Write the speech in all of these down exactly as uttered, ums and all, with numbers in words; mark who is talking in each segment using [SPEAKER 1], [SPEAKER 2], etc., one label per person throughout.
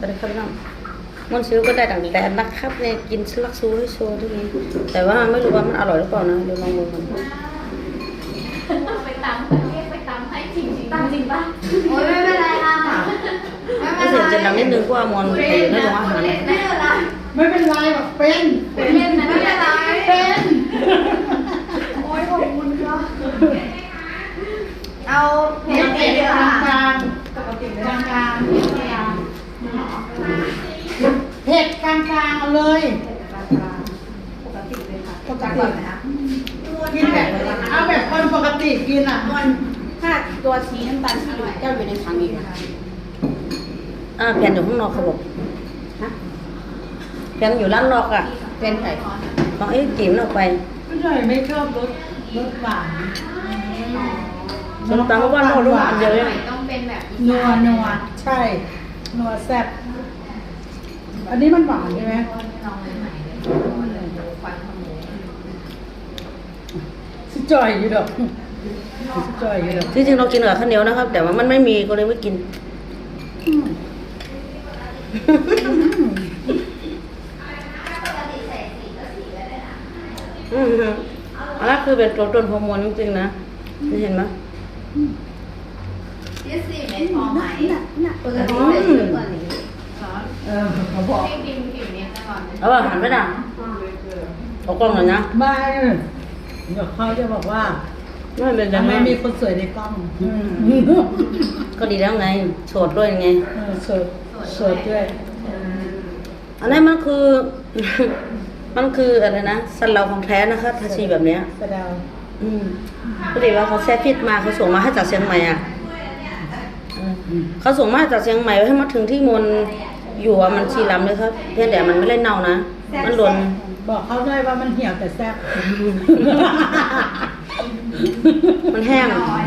[SPEAKER 1] ไปเลยครับพี่น้องมันซื้อก็ได้ดังแดนนะครับเนี่ยกินสลักซูให้โชว์ทุกนี้แต่ว่าไม่รู้ว่ามันอร่อยหรือเปล่านะเดี๋ยวลองดูมัน
[SPEAKER 2] ไปตามเรียกไปตามให้จริงจริงจริงป่ะ
[SPEAKER 3] โอ้ยไม่เป็นไรค่ะไม่
[SPEAKER 1] ถ้า
[SPEAKER 3] เป็นไร
[SPEAKER 1] เสียงจะดังนิดนึงเพราะว่ามอนไปอยู่ในโรงอาหาร
[SPEAKER 3] ไม่เป็นไร
[SPEAKER 4] ไม่เป็นไรหรอกเป็น
[SPEAKER 2] เป็นเล่นนะ
[SPEAKER 3] ไม่เป็นไร
[SPEAKER 4] เป็น
[SPEAKER 3] โอ้ยขอบคุณค่ะเอา
[SPEAKER 4] ป
[SPEAKER 3] เผ็ด
[SPEAKER 4] ก
[SPEAKER 3] เผ็
[SPEAKER 4] ติ
[SPEAKER 3] ดเยอะ
[SPEAKER 4] กลาง
[SPEAKER 3] ค่ะ
[SPEAKER 4] กลางปกติกลางกลางเผ็ดกลางกลางเอาเลย
[SPEAKER 3] ปกติเลยค่ะ
[SPEAKER 4] ปกติกินแบบเอาแบบคนปกติกินอ่ะ
[SPEAKER 3] ถ้าตัวชีน้ำตาลชีแก้วอยู่ในถังอีกนะคะ
[SPEAKER 1] อ่าแผ่นอยู่ข้างนอกครับผมแผ่นอยู่ร้านนอกอ่ะ
[SPEAKER 3] เป็นไข่
[SPEAKER 1] ของไอ้จิ๋มเอาไป
[SPEAKER 4] ไม่ใช่ไม่ชอบรสรสหวาน
[SPEAKER 1] ส้มตำเพราะว่าโน่นรู้อันเดียวเลย
[SPEAKER 2] ต้องเป็นแบบ
[SPEAKER 4] นัวนัวใช่นัวแซ่บอันนี้มันหวานใช่ไหม
[SPEAKER 2] ลองใหม่เลยควันขโมย
[SPEAKER 4] สิจ่อยอยู่ดอกสิจ่อยอยู่ดอก
[SPEAKER 1] ที่จริงเรากินกับข้าวเหนียวนะครับ แต่ว่ามันไม่มีก็เลยไม่กิน
[SPEAKER 4] อืม
[SPEAKER 1] อืมฮึอันนั้นคือเป็นตัวตนฮอร์โมนจริงๆนะนี่เห็นไหม
[SPEAKER 3] ยี่สิบเมตรพอไหมปกติใส่เยอะกว่านี้
[SPEAKER 4] เออเขาบอก
[SPEAKER 2] ให้ดิมผิวเนี้ยตลอด
[SPEAKER 1] เอาว่าหันไปนะเอากล้องหน่อยนะ
[SPEAKER 4] ไม่เดี๋ยวเขาจะบอกว่า
[SPEAKER 1] ไม่เป็นไร
[SPEAKER 4] ทำไม
[SPEAKER 1] นะ
[SPEAKER 4] มีคนสวยในกล้อง
[SPEAKER 1] ก็ดีแล้วไงโสดด้วยไง
[SPEAKER 4] เออสดสดด้วย
[SPEAKER 1] อันนี้มันคือ มันคืออะไรนะสันเราของแท้นะคะทาชีแบบเนี้ย
[SPEAKER 4] สะเดา
[SPEAKER 1] อืมพอดีว่าเขาแซ่พิษมาเขาส่งมาให้จากเชียงใหม่อ่ะเออเขาส่งมาจากเชียงใหม่ให้มาถึงที่มนอยู่อ่ะมันชีลำเลยครับเพียงแต่มันไม่ได้เน่านะมันหล่น
[SPEAKER 4] บอกเขาด้วยว่ามันเหี่ยวแต่แซ่บ
[SPEAKER 1] มันแห้ง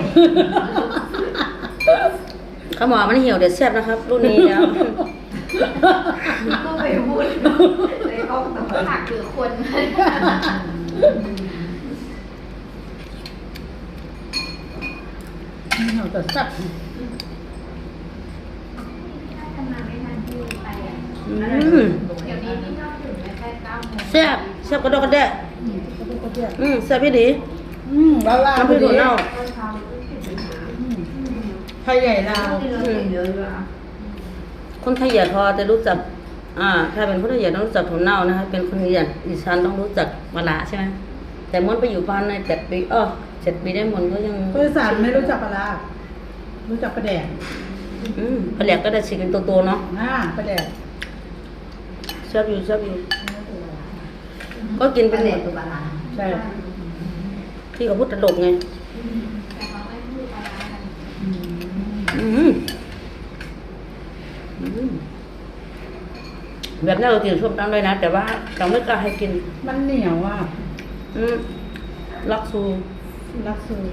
[SPEAKER 1] เขาบอกว่ามันเหี่ยวเด็ดแซ่บนะครับรุ่นนี้แล้ว
[SPEAKER 3] ก็ไปพูดในกล้องแต่ว่า
[SPEAKER 2] ผักหรือคน
[SPEAKER 4] เหี่ยวแต่แซ่บ
[SPEAKER 2] ทำงานไม่ทันที่ไปอ่ะ
[SPEAKER 1] อืม
[SPEAKER 2] เดี๋ยวนี้นี่นอกถึงแม่แค่เก้าโมง
[SPEAKER 1] แซ่บแซ่บกระดกกระเดะ
[SPEAKER 4] อืมก็เป็นกระเทียม
[SPEAKER 1] อืมแซ่บพี่ดี
[SPEAKER 4] อืมแล้วลาว
[SPEAKER 1] น้ำพริกถั่วเน่า
[SPEAKER 4] อืมไทยใหญ่ลาว
[SPEAKER 3] เยอะอยู่อ่ะ
[SPEAKER 1] คนไทยอย่าพอจะรู้จัก อ่า ถ้าเป็นคนไทยอย่าต้องรู้จักถั่วเน่านะคะเป็นคนอีสานอีสานต้องรู้จักมะระใช่ไหมแต่มนไปอยู่บ้านในเจ็ดปีเออเจ็ดปีได้มนก็ยัง
[SPEAKER 4] คนอีสานไม่รู้จักปลาร้ารู้จักปลาแดก
[SPEAKER 1] อืมปลาแหลกก็ได้ชิคเป็นตัวๆเนาะ
[SPEAKER 4] อ่าปลาแดก
[SPEAKER 1] ชอบอยู่ชอบอยู่ก็กิน
[SPEAKER 3] ป
[SPEAKER 1] เป็
[SPEAKER 3] ลาน
[SPEAKER 1] ห
[SPEAKER 3] เด็
[SPEAKER 1] ม
[SPEAKER 3] ด
[SPEAKER 1] ด
[SPEAKER 3] ตัวปลาร้า
[SPEAKER 4] ใช่
[SPEAKER 1] ที่เขาพูดตลกไง
[SPEAKER 2] แต่เขาไม่พูดปลาร้ากัน
[SPEAKER 4] อืม
[SPEAKER 1] อืมอืมแบบนี้เรากินส้มตำเลยนะ แต่ว่าเราไม่กล้าให้กิน
[SPEAKER 4] มันเหนียวอ่ะ
[SPEAKER 1] อืมลักซู
[SPEAKER 4] รักซู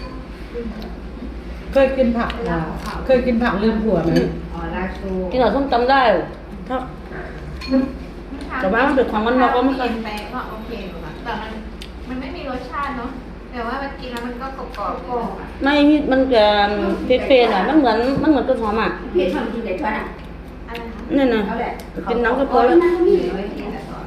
[SPEAKER 4] เคยกินผักอ่ะเคยกินผักลืมผัวไหม
[SPEAKER 3] อ๋อลาชู
[SPEAKER 1] กินกับส้มตำได้ ถ้า แต่ว่ามันเป็นของมันนอกก็ไม่เคย
[SPEAKER 2] ไปก็โอเคอยู่ค่ะแต่มันมันไม่มีรสชาติเนาะแต่ว่ามันกินแล้วมันก็กรอบกรอบกรอบ
[SPEAKER 1] ไม่มันจะเฟรนๆอ่ะมันเหมือนมันเหมือนต้นหอมอ่ะ
[SPEAKER 3] พี่ชอบกินเด็ดช่วยอ่ะ
[SPEAKER 2] อะไรคะ
[SPEAKER 1] นี่นะ
[SPEAKER 3] เอาแหละ
[SPEAKER 1] กินน้ำก็พอแล้ว
[SPEAKER 3] นั่งนี่ไว้กินแต่ก่อน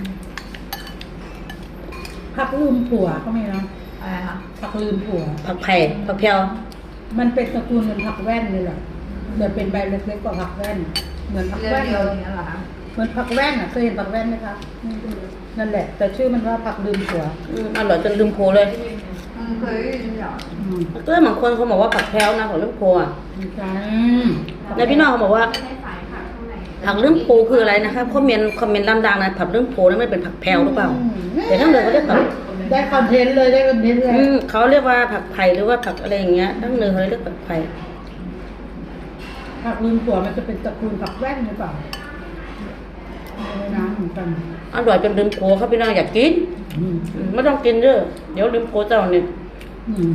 [SPEAKER 4] ผักลืมผัวก็มีนะ
[SPEAKER 3] อะไรคะ
[SPEAKER 4] ผักลืมผัว
[SPEAKER 1] ผักไผ่ผักแพรว
[SPEAKER 4] มันเป็นตระกูลเหมือนผักแว่นเลยแหละแต่เป็นใบเล็กๆกว่าผักแว่น เหมือนผัก
[SPEAKER 3] เรือ
[SPEAKER 4] แว่น
[SPEAKER 3] เดียว
[SPEAKER 4] เลย
[SPEAKER 3] อย่างนี้เหรอคะ
[SPEAKER 4] เหมือนผักแว่นอ่ะเคยเห็นผักแว่นไหมคะนั่นแหละ แต่ชื่อมันว่าผักลืมผัว
[SPEAKER 1] อืมอร่อยจนลืมโพเลย
[SPEAKER 3] อืมเคยได้ยินเหรอ
[SPEAKER 4] อืม
[SPEAKER 1] ก็บางคนเขาบอกว่าผักแพรวนะของลืมโพอ่ะ
[SPEAKER 4] ใช่
[SPEAKER 1] ในพี่น้องเขาบอกว่า
[SPEAKER 2] ไม่ได้สายผักเท่าไหร่
[SPEAKER 1] ผักลืมโพคืออะไรนะคะคอมเมนต์คอมเมนต์ดังๆนะผักลืมโพนั่นไม่เป็นผักแพรวหรือเปล่าแต่ทั้งเดิมเขาเรียกผัก
[SPEAKER 4] ได้คอนเทนต์เลยได้คอนเทนต์เลย
[SPEAKER 1] อืมเขาเรียกว่าผักไผ่หรือว่าผักอะไรอย่างเงี้ยทั้งเดิมเขาเรียกผักไผ่
[SPEAKER 4] ผักลืมผัวมันจะเป็นตระกูลผักแว่นหรือเปล่าไม่น้ำเหมือนกัน
[SPEAKER 1] อร่อยจนลืมโพเขาพี่น้องอยากกิน
[SPEAKER 4] อืม
[SPEAKER 1] อืมไม่ต้องกินเด้อเดี๋ยวลืมโพเจ้าเนี่ย
[SPEAKER 4] อืม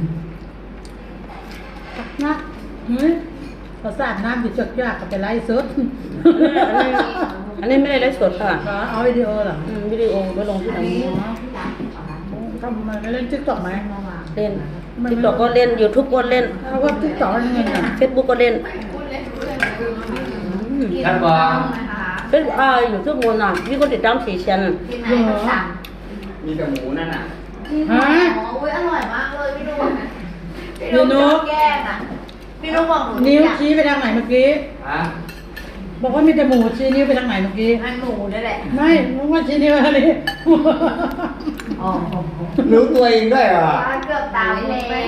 [SPEAKER 4] นะเฮ้ยพอสาดน้ำอยู่จดยากกับไปไล่สด
[SPEAKER 1] อันนี้ไม่ได้ไลฟ์สดค่ะ
[SPEAKER 4] เหรอเอาวิดีโอเหรอ
[SPEAKER 1] อืมวิดีโอไปลงที่ไหน
[SPEAKER 4] ทำไมไม่เล่นติ๊กต็อกไหม
[SPEAKER 1] เล่นติ๊กต็อกก็เล่นยูทูบก็เล่น
[SPEAKER 4] เพราะว่าติ๊กต็อกยังไงเนี่ย
[SPEAKER 1] เฟซบุ๊กก็เล่น
[SPEAKER 2] พูดเล่นพูดเล่น
[SPEAKER 1] อืม
[SPEAKER 2] กิน
[SPEAKER 5] ครับ
[SPEAKER 2] บ้า
[SPEAKER 5] บอ
[SPEAKER 2] งนะคะ
[SPEAKER 1] เป็นอ่าอยู่ทุกมนอ่ะมีคนติดตามสี่แสนอ่ะ
[SPEAKER 2] กินไหนก็สั่ง
[SPEAKER 5] มีแต่หมูนั่นน่ะ
[SPEAKER 3] ฮะ
[SPEAKER 2] อ๋ออุ้ยอร่อยมากเลยพี่นุ๊กพี่
[SPEAKER 4] พี่นุ๊
[SPEAKER 2] นุ๊
[SPEAKER 4] ก
[SPEAKER 2] กแกล้งอ่ะพี่นุ๊กบอกหนู
[SPEAKER 4] นิ้ว
[SPEAKER 2] อยาก
[SPEAKER 4] ชี้ไปทางไหนเมื่อกี้
[SPEAKER 5] ฮะ
[SPEAKER 4] บอกว่ามีแต่หมูชี้นิ้วไปทางไหนเมื่อกี้
[SPEAKER 2] อันหมูนี่แหละ
[SPEAKER 4] ไม่มึงว่าชี้นิ้วอะไร
[SPEAKER 2] อ๋อ
[SPEAKER 5] รู้ตัวเองด้วยเหรอ
[SPEAKER 2] เกือบตายเลยเลย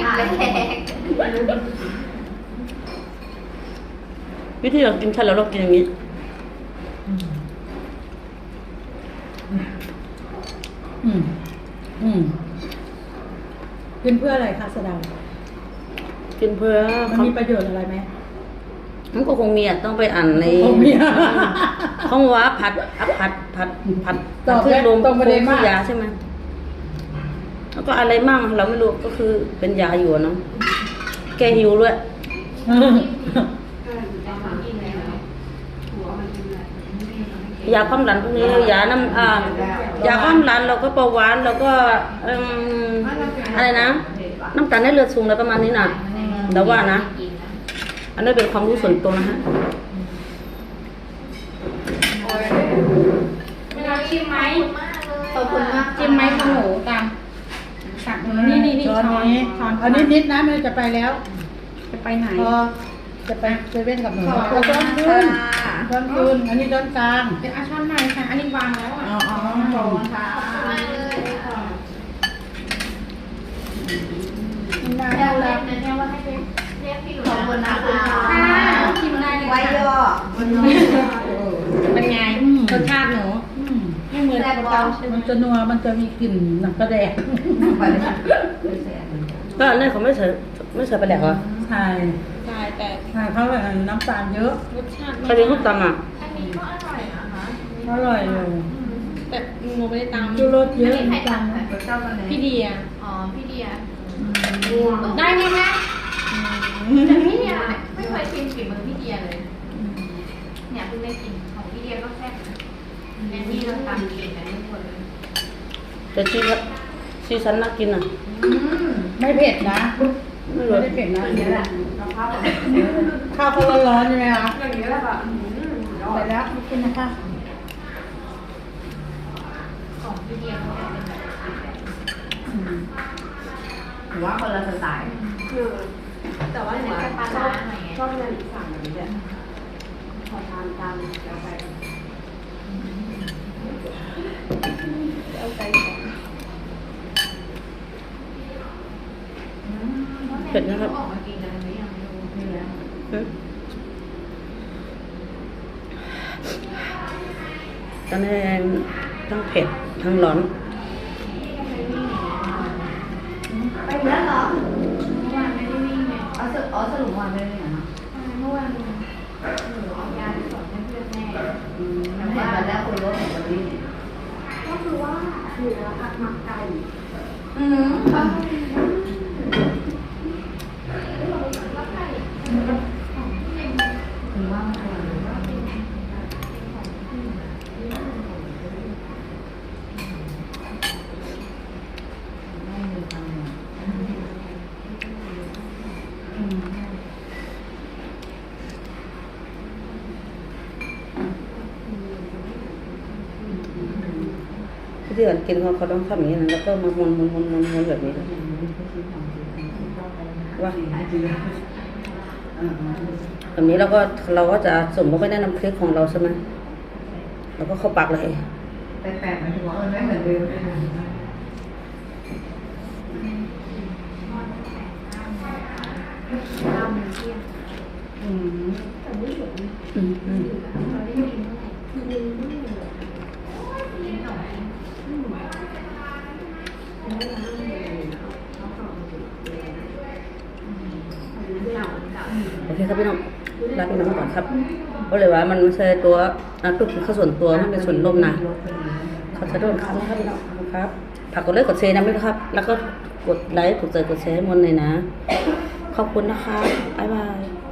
[SPEAKER 1] วิธีเรากินข้าวแล้วเรากินอย่างนี้
[SPEAKER 4] อืมอืมกินเพื่ออะไรคะสะเดา
[SPEAKER 1] กินเพื่อ
[SPEAKER 4] มันมีประโยชน์อะไรไหม
[SPEAKER 1] มันก็คงมีอ่ะต้องไปอ่านใน
[SPEAKER 4] คงมี
[SPEAKER 1] เขาว่าผัดอ่ะผัดผัดผัด
[SPEAKER 4] ตอบ
[SPEAKER 1] ขึ้นลม
[SPEAKER 4] ตรงประเด็นมาก
[SPEAKER 1] ยาใช่ไหมแล้วก็อะไรมั่งเราไม่รู้ก็คือเป็นยาอยู่อะเนาะแก้หิวด้วยยาความดันพวกนี้ยาน้ำอ่ายาความดันเราก็เบาหวานเราก็เอิ่มอะไรนะน้ำตาลในเลือดสูงอะไรประมาณนี้น่ะแต่ว่านะ อันนี้เป็นความรู้ส่วนตัวนะฮะ
[SPEAKER 3] เวลาชิมไหม
[SPEAKER 2] ขอบคุณมาก
[SPEAKER 3] ชิมไหมของหนูตามตักหนูนี่นี่นี่
[SPEAKER 4] ช้อน
[SPEAKER 3] ช้อน
[SPEAKER 4] นี้
[SPEAKER 3] ช้อน
[SPEAKER 4] อันนี้นิดนะมันจะไปแล้ว
[SPEAKER 3] จะไปไหน
[SPEAKER 4] พอจะไปเซเว่นกับหนู
[SPEAKER 3] ขอบ
[SPEAKER 4] เอา
[SPEAKER 3] คุ
[SPEAKER 4] ช้อ
[SPEAKER 3] ณ
[SPEAKER 4] น
[SPEAKER 3] ค่ะ
[SPEAKER 4] คืนช้อนคืนอันนี้ช้อนกลาง
[SPEAKER 3] เป็นอาช้อนไหนคะอันนี้วางแล้วอ่ะ
[SPEAKER 4] อ๋ออ๋อ
[SPEAKER 3] ขอบคุณค่ะ
[SPEAKER 2] มากเลย
[SPEAKER 4] กินได้
[SPEAKER 2] เรียกเรียกนะเนี่ยว่าให้เรียกเรียกพี่หนูขอบคุณนะคะ
[SPEAKER 3] ค่ะชิมได้เลย
[SPEAKER 2] ไว้
[SPEAKER 3] ค่ะ
[SPEAKER 2] ย่อ
[SPEAKER 3] เป็นไงรสชาติหนู
[SPEAKER 4] อืม
[SPEAKER 3] ไม่เหมือนกับเราใช่ไหม
[SPEAKER 4] มันจะนัวมันจะมีกลิ่นหนังกระแดก
[SPEAKER 1] ก็อันนี้เขาไม่ใส่ไม่ใส่ไปแหลกเหรอ
[SPEAKER 4] ใช่
[SPEAKER 3] ใช่แต่
[SPEAKER 4] ใช่เขาแบบน้ำตาลเยอะ
[SPEAKER 3] รสชาติ
[SPEAKER 1] ใครเป็นคนตำอ่ะ
[SPEAKER 2] อันนี้ก็อร่อยนะคะ
[SPEAKER 4] อร่อยเลย
[SPEAKER 3] แต่หนูไม่ได้ตาม
[SPEAKER 4] ชูรสเยอะ
[SPEAKER 2] นี่ใคร
[SPEAKER 4] น้ำตาล
[SPEAKER 2] ทำคะเจ้ากันเลย
[SPEAKER 3] พี่เดีย
[SPEAKER 2] อ๋อพี่เดีย
[SPEAKER 3] ได้ไหมคะ
[SPEAKER 2] แต่พี่เดียไม่เคยชิมฝีมือพี่เดียเลย เนี่ยเพิ่งได้กินของพี่เดียก็แซ่บนะแม่นี่เราทำเก่งกันทุกคนเลย
[SPEAKER 1] แต่ชีสชีสันน่ากินอ่ะ
[SPEAKER 4] ไม่เผ็ดนะ
[SPEAKER 1] ไม่
[SPEAKER 4] ไม่
[SPEAKER 1] รู้
[SPEAKER 4] ได้เผ็ดนะ
[SPEAKER 2] อย่างนี้แหละเราพับแบบนี้
[SPEAKER 4] ข้าวเขาร้อนๆใช่ไหมคะ
[SPEAKER 2] อย่างนี้แหละแบบ
[SPEAKER 4] ไปแล้วไม่กินนะคะ
[SPEAKER 2] ของพี่เดียเขาจะเป็นแบบ
[SPEAKER 4] อืม
[SPEAKER 3] ถือว่าคนละสไตล์
[SPEAKER 2] คือแต่ว่าเนี่ยปลาร้าหน่อยไง
[SPEAKER 3] ชอบเรียนสั่งแบบนี้แหละขอทานตามแล้วไปเอาไป
[SPEAKER 1] เผ็ดนะครับ
[SPEAKER 2] ออกมากินกันหรือยังไม่รู้เนื้อ
[SPEAKER 1] อืมตอนนี้ทั้งเผ็ดทั้งร้อน
[SPEAKER 2] ไปแล้วเหรอเมื่อวานไม่ได้วิ่งไงเอาสรุปอ๋อสรุปเมื่อวานไม่ได้วิ่งเหรอเมื่อวานหนูเอายาไปสอนให้เพื่อนแม่แต่ว่าแล้วคุณรถของวันนี้ก็คือว่าเหลือผัดหมักไก่อืมค่ะถึงว่ามันอร่อยหรือว่าเป็นไม่มีความหมายอืม
[SPEAKER 1] ที่ก่อนกินเขาเขาต้องทำอย่างนี้นะแล้วก็มาม้วนม้วนม้วนม้วนม้วนแบบนี้นะว่าแบบนี้เราก็เราก็จะสมมติไปในน้ำพริกของเราใช่ไหมเราก็เข้าปากเลย
[SPEAKER 2] แปลกๆหมายถึงว่ามันไม่เหมือนเดิมเลยนะข้าวมันเที่ยง
[SPEAKER 4] อืม
[SPEAKER 1] อืมอืม
[SPEAKER 2] เราได้กินเท่าไหร่กินไม่เหลือกินหน่อยอืม
[SPEAKER 1] โอเคครับพี่น้องลาพี่น้องก่อนครับเพราะเลยว่ามันไม่ใช่ตัวอ่ะตุกข้าวส่วนตัวมันเป็นส่วนลมนะเขาจะโดนคำนะครับพี่น้องครับฝากกดไลค์กดแชร์นะไม่ครับ แล้วก็กดไลค์กดใจกดแชร์ให้มนเลยนะ ขอบคุณนะคะบ๊ายบาย